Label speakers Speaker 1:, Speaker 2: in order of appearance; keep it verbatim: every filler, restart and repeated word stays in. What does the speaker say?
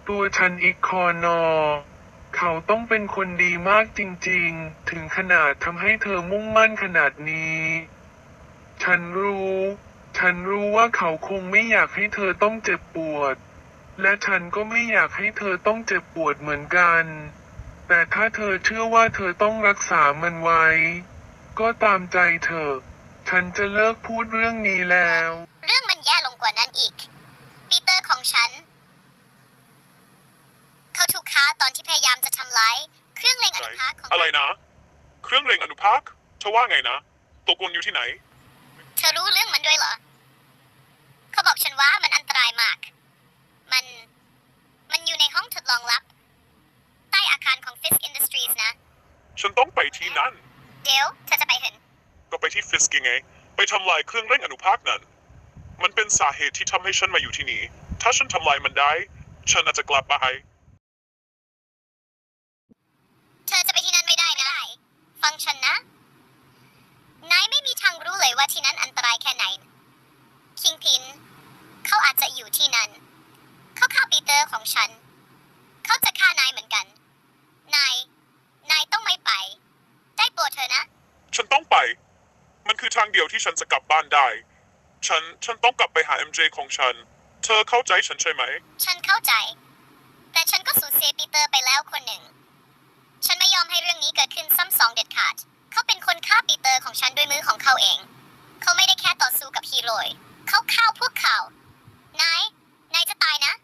Speaker 1: ตัวฉันอีกคอนอเขาต้องเป็นคนดีมากจริงๆ ถึงขนาดทำให้เธอมุ่งมั่นขนาดนี้ ฉันรู้ ฉันรู้ว่าเขาคงไม่อยากให้เธอต้องเจ็บปวด และฉันก็ไม่อยากให้เธอต้องเจ็บปวดเหมือนกัน แต่ถ้าเธอเชื่อว่าเธอต้องรักษามันไว้ ก็ตามใจเธอ ฉันจะเลิกพูดเรื่องนี้แล้ว
Speaker 2: เรื่องมันแย่ลงกว่านั้นอีก ปีเตอร์ของฉัน เขาถูกฆ่าตอนที่พยายามจะทำลายเครื่องเล็งอนุภาคของ
Speaker 3: อะไรนะ เครื่องเล็งอนุภาคเธอว่าไงนะตกลงอยู่ที่ไหน
Speaker 2: เธอรู้เรื่องมันด้วยเหรอ เขาบอกฉันว่ามันอันตรายมาก มัน มันอยู่ในห้องทดลองลับ ใต้อาคารของ Fisk Industries นะ
Speaker 3: ฉันต้องไปที่นั่น
Speaker 2: เดี๋ยวเธอจะไปเห็น
Speaker 3: ก็ไปที่ฟิสกิงไง ไปทำลายเครื่องเร่งอนุภาคนั้น มันเป็นสาเหตุที่ทำให้ฉันมาอยู่ที่นี่ ถ้าฉันทำลายมันได้ ฉันอาจจะกลับมาให้
Speaker 2: เธอจะไปที่นั่นไม่ได้นะ ฟังฉันนะ นายไม่มีทางรู้เลยว่าที่นั่นอันตรายแค่ไหน คิงพิน เขาอาจจะอยู่ที่นั่น เขาฆ่าปีเตอร์ของฉัน เขาจะฆ่านายเหมือนกัน นาย นายต้องไม่ไป ได้โปรดเธอนะ
Speaker 3: ฉันต้องไป มันคือทางเดียวที่ฉันจะกลับบ้านได้ ฉัน ฉันต้องกลับไปหา เอ็ม เจ ของฉัน เธอเข้าใจฉันใช่ไหม
Speaker 2: ฉันเข้าใจ แต่ฉันก็สูญเสียปีเตอร์ไปแล้วคนหนึ่ง ฉันไม่ยอมให้เรื่องนี้เกิดขึ้นซ้ำสองเด็ดขาด เขาเป็นคนฆ่าปีเตอร์ของฉันด้วยมือของเขาเอง เขาไม่ได้แค่ต่อสู้กับฮีโร่ เขาฆ่าพวกเขา นาย นายจะตายนะ